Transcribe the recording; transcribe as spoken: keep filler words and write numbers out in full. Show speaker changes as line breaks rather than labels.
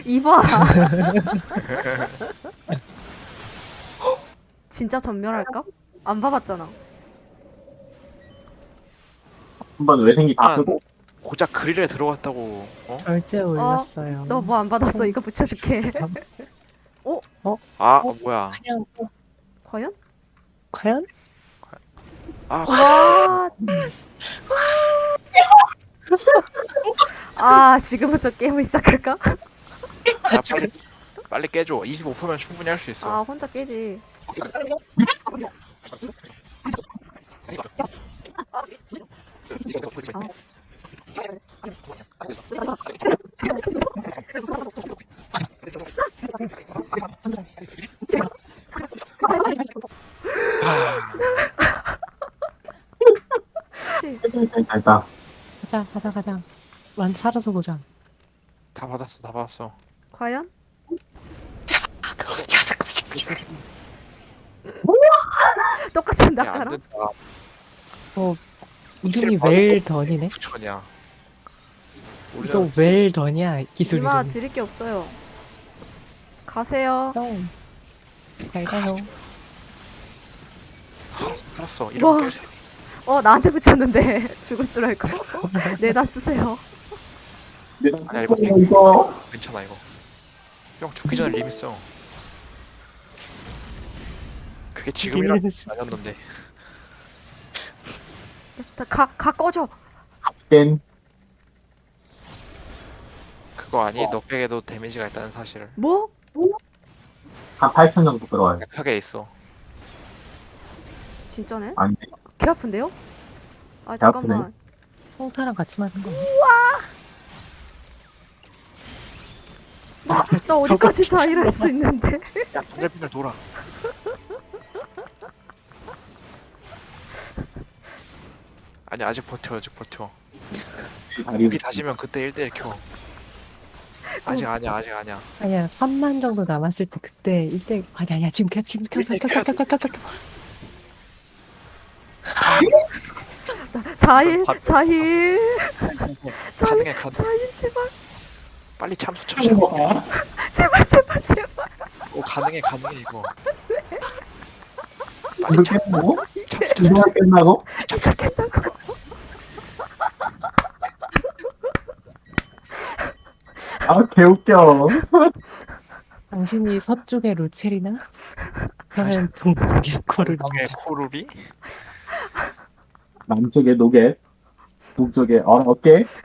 이봐. 진짜 전멸할까? 안 봐봤잖아.
한번 외생기 다
아.
쓰고
고작 그릴에 들어갔다고. 어?
결제 올렸어요.
너 뭐 안 받았어? 이거 붙여줄게.
아
어?
뭐야?
그냥
과연?
과연?
아
와. 아, 지금부터 게임을 시작할까?
야, 빨리 빨리 깨줘. 이십오 퍼센트면 충분히 할 수 있어.
아, 혼자 깨지.
일단
가자 가자 가자. 완 살아서 보자.
다 받았어, 다 받았어.
과연?
아 그렇게 하자.
똑같은
야, 안
낙하랑?
된다.
어 이름이 웰던이네.
부천이야.
또 웰던이야 기술
이마
이름.
드릴 게 없어요. 가세요.
형. 잘 가요.
살았어, 살았어.
와.
이렇게.
어, 나한테 붙였는데 죽을 줄 알고. 내다 쓰세요.
내가
아, 이거
쓰고 이거
괜찮아 이거. 형 죽기 전에 리밋 써. 그게 지금이라
리밋.
아니었는데.
다 가, 가 꺼져.
땐
그거 아니? 너 백에도 데미지가 있다는 사실을.
뭐?
한 팔천 정도 들어와요.
백팩에 있어.
진짜네?
아니
개 아픈데요? 아,
개
잠깐만.
송타랑 같이 맞은 거.
나 어디까지 자일할 수 있는데?
야, 빙글빙글 돌아. 아니 아직 버텨, 아직 버텨.
다리
여기 다시면 그때 일 대일 켜. 아직 아니야, 아직 아니야.
아니야 삼만 정도 남았을 때 그때 이때 아니 아니야 지금 켜 지금 켜켜켜켜켜켜
자일,
밥-
자일, 자일,
가능해, 가능.
자일, 제발,
빨리 참수 쳐줘.
제발, 제발, 제발.
어, 가능해, 가능해 이거. 빨리
이거
참,
끝나고
참수 쳐줘.
이거 끝나고
시작했다고.
아 개웃겨.
당신이 서쪽의 루체리나? 저는 동쪽의 코를
방에 코르비?
남쪽에 노게, 북쪽에 어 어깨.